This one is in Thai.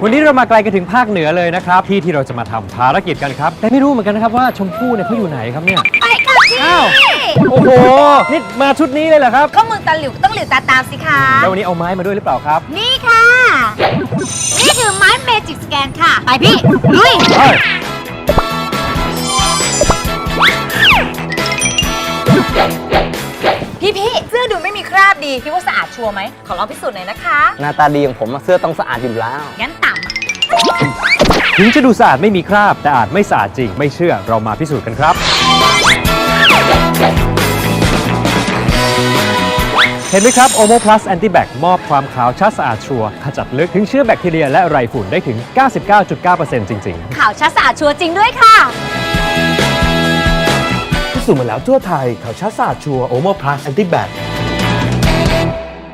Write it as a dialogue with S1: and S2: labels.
S1: วันนี้เรามาไกลกันถึงภาคเหนือเลยนะครับที่เราจะมาทำภารกิจกันครับแต่ไม่รู้เหมือนกันนะครับว่าชมพู่เนี่ยเขาอยู่ไหนครับเนี่ย
S2: ไปค่ะพี่
S1: อ้าวโอ้โหนี่มาชุดนี้เลยเหรอครับ
S2: ก็มึงตาหลิวต้องหลิวตาตามสิคะ
S1: แล้ววันนี้เอาไม้มาด้วยหรือเปล่าครับ
S2: นี่ค่ะ นี่คือไม้เมจิกสแกนค่ะ ไปพี่ลุย
S1: เฮ้ย
S2: พี่เสื้อดูไม่มีคราบดีพี่ว่าสะอาดชัวร์ไหมขอลองพิสูจน์หน่อยนะคะ
S3: หน้าตาดีของผมเสื้อต้องสะอาดอยู่แล้ว
S2: งั้นต่ำ
S1: ถึงจะดูสะอาดไม่มีคราบแต่อาจไม่สะอาดจริงไม่เชื่อเรามาพิสูจน์กันครับเห็นไหมครับ Omo Plus Anti-Bac มอบความขาวชัดสะอาดชัวร์ขจัดลึกถึงเชื้อแบคทีเรียและไรฝุ่นได้ถึง 99.9% จริงๆ
S2: ข่าวชัดสะอาดชัวร์จริงด้วยค่ะ
S4: พิสูจน์มาแล้วทั่วไทยข่าวชัดสะอาดชัวร์โอโมพลัสแอนติแบค